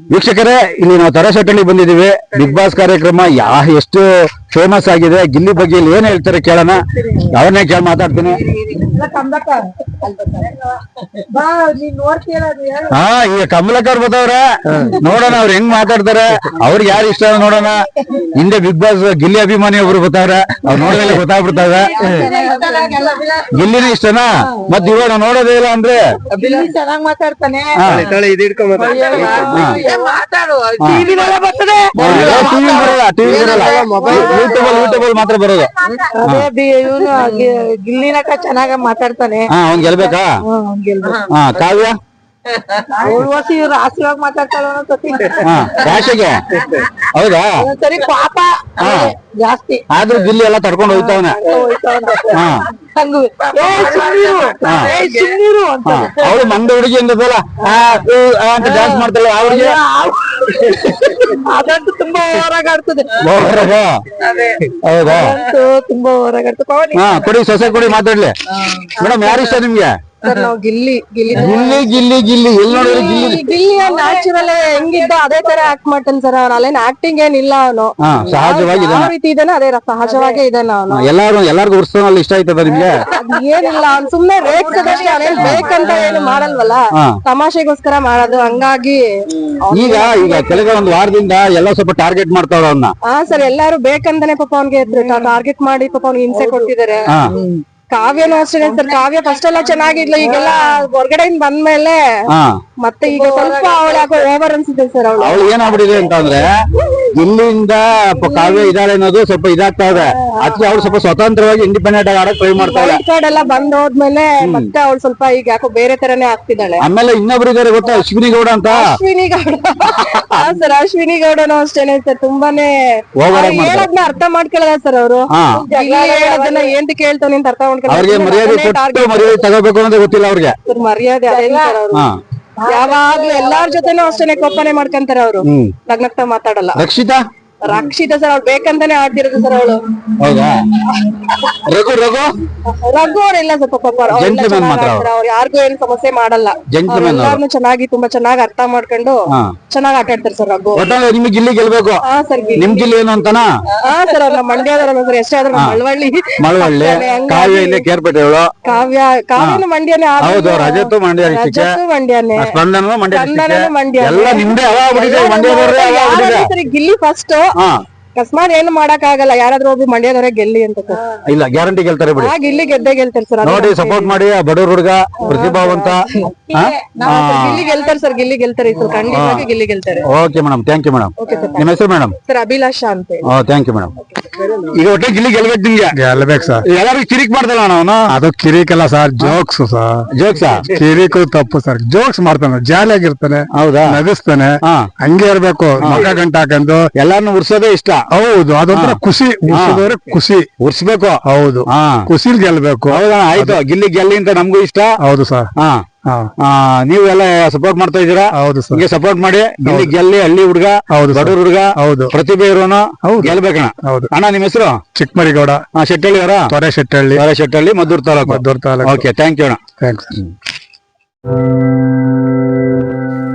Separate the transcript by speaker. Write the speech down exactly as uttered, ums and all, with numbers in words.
Speaker 1: ವೀಕ್ಷಕರೇ, ಇಲ್ಲಿ ನಾವು ತರಶೆಟ್ಟಳ್ಳಿ ಬಂದಿದ್ದೀವಿ. ಬಿಗ್ ಬಾಸ್ ಕಾರ್ಯಕ್ರಮ ಯಾ ಎಷ್ಟು ಫೇಮಸ್ ಆಗಿದೆ. ಗಿಲ್ಲಿ ಬಗ್ಗೆ ಇಲ್ಲಿ ಏನ್ ಹೇಳ್ತಾರೆ ಕೇಳೋಣ. ಅವ್ರನ್ನೇ ಕೇಳಿ ಮಾತಾಡ್ತೀನಿ. ಹಾ, ಈಗ ಕಮಲಕ್ ಅವ್ರು ಬತ್ತವ್ರ, ನೋಡೋಣ ಅವ್ರು ಹೆಂಗ್ ಮಾತಾಡ್ತಾರೆ, ಅವ್ರಿಗೆ ಯಾರು ಇಷ್ಟ ನೋಡೋಣ. ಹಿಂದೆ ಬಿಗ್ ಬಾಸ್ ಗಿಲ್ಲಿ ಅಭಿಮಾನಿ ಒಬ್ರು ಬತ್ತವ್ರ, ಅವ್ರು ನೋಡಿದ್ರೆ ಗೊತ್ತಾಗ್ಬಿಡ್ತಾವೆ. ಗಿಲ್ಲಿನೇ ಇಷ್ಟನಾ? ಮತ್ ಇವಾಗ ನೋಡೋದೇ ಇಲ್ಲ ಅಂದ್ರೆ
Speaker 2: ಚೆನ್ನಾಗ್ ಮಾತಾಡ್ತಾನೆ.
Speaker 1: ಯೂಟ್ಯೂಬ್ ಮಾತ್ರ ಬರೋದು.
Speaker 2: ಇವನು ಗಿಲ್ಲಿನಕ ಚೆನ್ನಾಗ ಮಾತಾಡ್ತಾನೆ.
Speaker 1: ಹಾ, ಅವ್ನ್ ಗೆಲ್ಬೇಕಾ? ಹಾ, ಕಾವ್ಯ
Speaker 2: ಉರ್ವಶಿ ಇವ್ರು ರಾಸಿಯಾಗಿ ಮಾತಾಡ್ತಾಳ
Speaker 1: ರಾಶಿಗೆ. ಹೌದಾ?
Speaker 2: ಸರಿ, ಪಾಪ ಜಾಸ್ತಿ
Speaker 1: ಆದ್ರೂ ಗಿಲ್ಲಿ ಎಲ್ಲ ತಡ್ಕೊಂಡು ಹೋಗ್ತಾವನೆ. ಅವಳು ಮಂದ ಹುಡುಗಿ ಅಂದಲ್ಲ ಅಂತ ಡ್ಯಾನ್ಸ್ ಮಾಡ್ತಾಳೆ. ಅವ್ರಿಗೆ
Speaker 2: ಅದಂತೂ ತುಂಬಾ ಹೊರಗಾಡ್ತದೆ.
Speaker 1: ಹೌದಾ?
Speaker 2: ತುಂಬಾ ಹೊರಗಾಡ್ತದೆ.
Speaker 1: ಹಾ, ಕೊಡಿ ಸೊಸೆ ಕೊಡಿ, ಮಾತಾಡ್ಲಿ ಮೇಡಮ್. ಯಾರು ಇಷ್ಟ ನಿಮ್ಗೆ?
Speaker 2: ಸರ್, ನಾವು ಗಿಲ್ಲಿ ಗಿಲ್ಲಿ
Speaker 1: ಗಿಲ್ಲಿ ಗಿಲ್ಲಿ ಗಿಲ್ಲಿ ಎಲ್ಲಿ ನೋಡಿದ್ರೆ ಗಿಲ್ಲಿ.
Speaker 2: ಗಿಲ್ಲಿ ನ್ಯಾಚುರಲ್ ಹೆಂಗಿದ್ದ ಅದೇ ತರ ಆಕ್ಟ್ ಮಾಡ್ತಾನೆ ಸರ್. ಅವ್ನ ಅಲ್ಲೇನ್ ಆಕ್ಟಿಂಗ್ ಏನಿಲ್ಲ. ಅವನು
Speaker 1: ಸಹಜವಾಗಿ
Speaker 2: ಯಾವ ರೀತಿ ಇದಾನೆ ಅದೇ ಸಹಜವಾಗೇ ಇದಾನೆ ಅವನು.
Speaker 1: ಎಲ್ಲಾರು ಎಲ್ಲಾರ್ಗು ಉರ್ಸೋನಲ್ಲಿ ಇಷ್ಟ ಆಯ್ತದ ನಿಮ್ಗೆ?
Speaker 2: ಏನಿಲ್ಲ, ಅವ್ನು ಸುಮ್ನೆ ರೇಗ್ಸದಷ್ಟೇ. ಅವನೇನ್ ಬೇಕಂತ ಏನು ಮಾಡಲ್ವಲ್ಲ, ತಮಾಷೆಗೋಸ್ಕರ ಮಾಡೋದು. ಹಂಗಾಗಿ
Speaker 1: ಈಗ ಈಗ ಕೆಳಗೆ ಒಂದು ವಾರದಿಂದ ಎಲ್ಲ ಸ್ವಲ್ಪ ಟಾರ್ಗೆಟ್ ಮಾಡ್ತಾವ್ರ ಅವನ್ನ.
Speaker 2: ಹಾ ಸರ್, ಎಲ್ಲಾರು ಬೇಕಂತಾನೆ ಪಾಪ ಅವ್ನಿಗೆ ಟಾರ್ಗೆಟ್ ಮಾಡಿ ಪಾಪ ಅವ್ನಿಗೆ ಹಿಂಸೆ ಕೊಡ್ತಿದಾರೆ. ಕಾವ್ಯನೂ ಅಷ್ಟೇ ಸರ್. ಕಾವ್ಯ ಫಸ್ಟ್ ಎಲ್ಲ ಚೆನ್ನಾಗಿದ್ಲು, ಈಗೆಲ್ಲ ಹೊರಗಡೆಯಿಂದ ಬಂದ್ಮೇಲೆ ಮತ್ತೆ ಈಗ ಸ್ವಲ್ಪ ಅವಳು ಯಾಕೋ ಓವರ್ ಅನ್ಸುತ್ತೆ ಸರ್. ಅವಳು
Speaker 1: ಅವಳು ಏನಾಗ್ಬಿಟ್ಟಿದೆ ಅಂತಂದ್ರೆ, ಇಲ್ಲಿಂದ ಕಾವ್ಯ ಇದಾಳೆ ಅನ್ನೋದು ಸ್ವಲ್ಪ ಇದಾಗ್ತಾ ಇದೆ. ಅದಕ್ಕೆ ಅವಳು ಸ್ವಲ್ಪ ಸ್ವತಂತ್ರವಾಗಿ ಇಂಡಿಪೆಂಡೆಂಟ್ ಆಗಿ ಆಡಕ್ ಟ್ರೈ ಮಾಡ್ತಾಳೆ.
Speaker 2: ಕಾರ್ಡ್ ಎಲ್ಲ ಬಂದ್ ಹೋದ್ಮೇಲೆ ಮತ್ತೆ ಅವಳು ಸ್ವಲ್ಪ ಈಗ ಯಾಕೋ ಬೇರೆ ತರನೇ ಆಗ್ತಿದ್ದಾಳೆ.
Speaker 1: ಆಮೇಲೆ ಇನ್ನೊಬ್ರು ಇದಾರೆ ಗೊತ್ತಾ, ಅಶ್ವಿನಿ ಗೌಡ ಅಂತ.
Speaker 2: ಅಶ್ವಿನಿ ಗೌಡ ಸರ್, ಅಶ್ವಿನಿ ಗೌಡನು ಅಷ್ಟೇನೆ ಸರ್. ತುಂಬಾನೇ ಹೇಳೋದ್ನ ಅರ್ಥ ಮಾಡ್ಕೊಳ್ಳಲ್ಲ ಸರ್ ಅವರು. ಹೇಳೋದನ್ನ ಏನ್ ಕೇಳ್ತಾನೆ ಅಂತ ಅರ್ಥ
Speaker 1: ಅವ್ರಿಗೆ ಮರ್ಯಾದೆ ಕೊಟ್ಟು ಮರ್ಯಾದೆ ತಗೋಬೇಕು ಅನ್ನೋದೇ ಗೊತ್ತಿಲ್ಲ ಅವ್ರಿಗೆ.
Speaker 2: ಮರ್ಯಾದೆ ಯಾವಾಗ್ಲೂ ಎಲ್ಲಾರ ಜೊತೆನೂ ಅಷ್ಟೇನೆ ಕೋಪನೆ ಮಾಡ್ಕೊಂತಾರೆ ಅವರು. ನಗ್ನಗ್ತಾ ಮಾತಾಡಲ್ಲ.
Speaker 1: ರಕ್ಷಿತಾ
Speaker 2: ರಕ್ಷಿತಾ ಸರ್, ಅವ್ಳು ಬೇಕಂತಾನೆ ಆಡ್ತಿರೋದು ಸರ್ ಅವಳು.
Speaker 1: ಹೌದಾ? ರಘು ರಘು
Speaker 2: ರಘು ಅವ್ರೆಲ್ಲ ಸ್ವಲ್ಪ ಪಾಪ ಅವ್ರು ಯಾರಿಗೂ ಏನ್ ಸಮಸ್ಯೆ ಮಾಡಲ್ಲ. ಎಲ್ಲಾರ್ನು ಚೆನ್ನಾಗಿ ತುಂಬಾ ಚೆನ್ನಾಗಿ ಅರ್ಥ ಮಾಡ್ಕೊಂಡು ಚೆನ್ನಾಗಿ ಆಟ ಆಡ್ತಾರೆ ಸರ್ ರಘು.
Speaker 1: ನಿಮ್ಗೆ ಗಿಲ್ಲಿ ಗೆಲ್ಬೇಕು.
Speaker 2: ಹಾ ಸರ್,
Speaker 1: ನಿಮ್ ಗಿಲ್ಲಿ ಏನು ಅಂತಾನ?
Speaker 2: ಹಾ ಸರ್, ಅವ್ರ ಮಂಡ್ಯದಲ್ಲ ಸರ್. ಎಷ್ಟೇ ಆದ್ರೂ ಮಳವಳ್ಳಿ
Speaker 1: ಮಳವಳ್ಳಿ ಕಾವ್ಯ ಇಲ್ಲೇ ಕೇರ್ಪೇಟೆ ಅವಳು.
Speaker 2: ಕಾವ್ಯ ಕಾವ್ಯನು ಮಂಡ್ಯನೇ.
Speaker 1: ಹೌದು, ರಜತ್ತು ಮಂಡ್ಯ,
Speaker 2: ರಜತ್ತು ಮಂಡ್ಯನೇ,
Speaker 1: ಸ್ಪಂದನನು ಮಂಡ್ಯ,
Speaker 2: ಸ್ಪಂದನನು ಮಂಡ್ಯ.
Speaker 1: ಎಲ್ಲ ನಿಮ್ದೇ ಮಂಡ್ಯ.
Speaker 2: ಗಿಲ್ಲಿ ಫಸ್ಟ್ ಅಕಸ್ಮಾತ್ ಏನು ಮಾಡಕ್ ಆಗಲ್ಲ. ಯಾರಾದ್ರೂ ಒಬ್ಬ ಮಂಡ್ಯದವರೇ ಗೆಲ್ಲಿ ಅಂತ ಸರ್.
Speaker 1: ಇಲ್ಲ, ಗ್ಯಾರಂಟಿ ಗೆಲ್ತಾರೆ ಬಿಡಿ.
Speaker 2: ಗಿಲ್ಲಿ ಗೆದ್ದೇ ಗೆಲ್ತಾರೆ ಸರ್.
Speaker 1: ನೋಡಿ, ಸಪೋರ್ಟ್ ಮಾಡಿ. ಬಡವ್ರ ಹುಡುಗ, ಪ್ರತಿಭಾವಂತ.
Speaker 2: ಗಿಲ್ಲಿ ಗೆಲ್ತಾರೆ ಸರ್, ಗಿಲ್ಲಿ ಗೆಲ್ತಾರೆ ಸರ್, ಖಂಡಿತವಾಗಿ ಗಿಲ್ಲಿ ಗೆಲ್ತಾರೆ.
Speaker 1: Okay madam, thank you madam. ನಿಮ್ಮ ಹೆಸರು ಮೇಡಮ್?
Speaker 2: ಸರ್, ಅಭಿಲಾಷಾ ಅಂತ.
Speaker 1: Thank you madam. ಈಗ ಒಟ್ಟೆ ಗಿಲ್ಲಿ ಗೆಲ್ಬೇಕು. ನಿಮ್ಗೆ
Speaker 3: ಗೆಲ್ಬೇಕು ಸರ್.
Speaker 1: ಎಲ್ಲರಿಗೂ ಕಿರಿಕ್ ಮಾಡ್ದಲ್ಲ ಅವನು.
Speaker 3: ಅದು ಕಿರಿಕಲ್ಲ ಸರ್, ಜೋಕ್ಸ್ ಸರ್.
Speaker 1: ಜೋಕ್ಸಾ?
Speaker 3: ಕಿರಿಕು ತಪ್ಪು ಸರ್. ಜೋಕ್ಸ್ ಮಾಡ್ತಾನೆ, ಜಾಲಿಯಾಗಿರ್ತಾನೆ.
Speaker 1: ಹೌದಾ?
Speaker 3: ನಗಿಸ್ತಾನೆ. ಹಂಗೆ ಇರ್ಬೇಕು. ಮಗ ಗಂಟ ಹಾಕೊಂಡು
Speaker 1: ಎಲ್ಲಾರನ್ನು ಉರ್ಸೋದೇ ಇಷ್ಟ.
Speaker 3: ಹೌದು, ಅದೊಂಥರ ಖುಷಿ. ಉರ್ಸಿದವ್ರೆ ಖುಷಿ.
Speaker 1: ಉರ್ಸ್ಬೇಕು.
Speaker 3: ಹೌದು, ಖುಷಿಲ್ ಗೆಲ್ಬೇಕು.
Speaker 1: ಹೌದಾ? ಆಯ್ತು, ಗಿಲ್ಲಿ ಗೆಲ್ಲಿ ಅಂತ ನಮಗೂ ಇಷ್ಟ.
Speaker 3: ಹೌದು ಸರ್.
Speaker 1: ಹಾ, ನೀವೆಲ್ಲ ಸಪೋರ್ಟ್ ಮಾಡ್ತಾ ಇದ್ದೀರಾ?
Speaker 3: ಹೌದು ಸರ್.
Speaker 1: ಹಿಂಗೆ ಸಪೋರ್ಟ್ ಮಾಡಿ. ಗಿಲ್ಲಿ ಗೆಲ್ಲಿ, ಹಳ್ಳಿ ಹುಡುಗ, ಬಡವ್ರ ಹುಡುಗ, ಹೌದು, ಪ್ರತಿಭೆ ಇರೋನು ಗೆಲ್ಬೇಕಣ. ಹೌದು ಅಣ್ಣ. ನಿಮ್ಮ ಹೆಸರು?
Speaker 3: ಚಿಕ್ಕಮರಿಗೌಡ.
Speaker 1: ಹಾ, ಶೆಟ್ಟಳ್ಳಿ ಅವರ?
Speaker 3: Thore Shettahalli.
Speaker 1: Thore Shettahalli, Maddur taluk.
Speaker 3: Maddur taluk.
Speaker 1: Okay, thank you ಅಣ್ಣ.
Speaker 3: ಥ್ಯಾಂಕ್ಸ್.